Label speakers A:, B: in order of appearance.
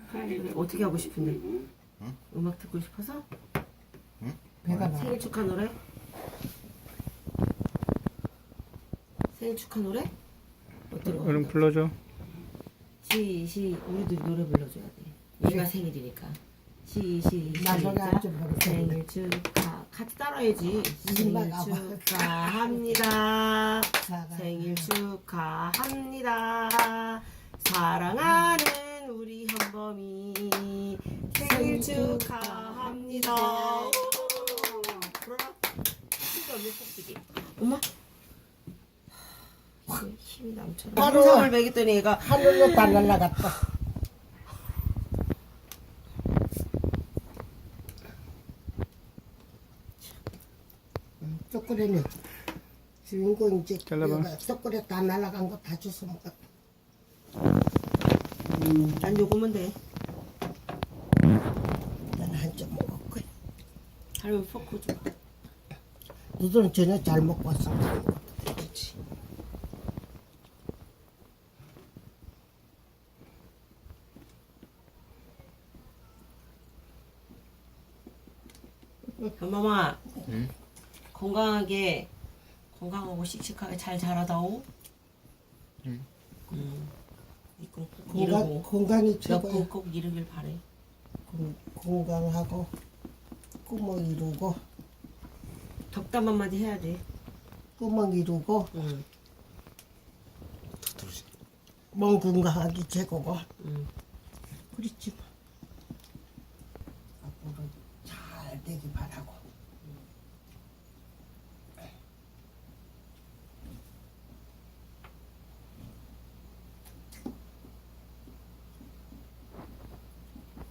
A: 그래. 어떻게 하고 싶은데?
B: 응?
A: 음악 듣고 싶어서?
B: 응?
C: 배가 나.
A: 생일 축하 노래? 생일 축하 노래? 어떤 거?
D: 얼른 불러줘.
A: 우리들이 노래 불러줘야 돼. 얘가 생일이니까.
C: 나 노래 안 좀 모르겠어.
A: 생일 축하. 같이 따라야지. 생일
C: 엄마가
A: 축하합니다. 생일 축하합니다. 사랑하는 우리 현범이 생일 축하합니다. 불어라. 진짜 언니 꼭지기. 엄마. 힘이 남처럼.
C: 바로
A: 한상을 먹였더니 얘가
C: 하늘로 다 날라갔다. 초콜릿은 주인공 이제
D: 잘라봐.
C: 초콜릿 다 날라간 거 다 주워 먹었다.
A: 난 요거면 돼.
C: 난 한점 먹었고.
A: 할머니 포크 좀.
C: 너들은 전혀 잘 먹고 왔어. 그렇지.
A: 현범아.
B: 응?
A: 건강하고 씩씩하게 잘 자라다오.
B: 응.
A: 이거 꼭 이루고.
C: 건강이 최고야.
A: 꼭 이루길 바래.
C: 건강하고 꿈을 이루고
A: 덕담 한마디 해야 돼.
C: 꿈을 이루고
A: 응.
C: 몸 건강하기 최고고.
A: 응.
C: 그렇지.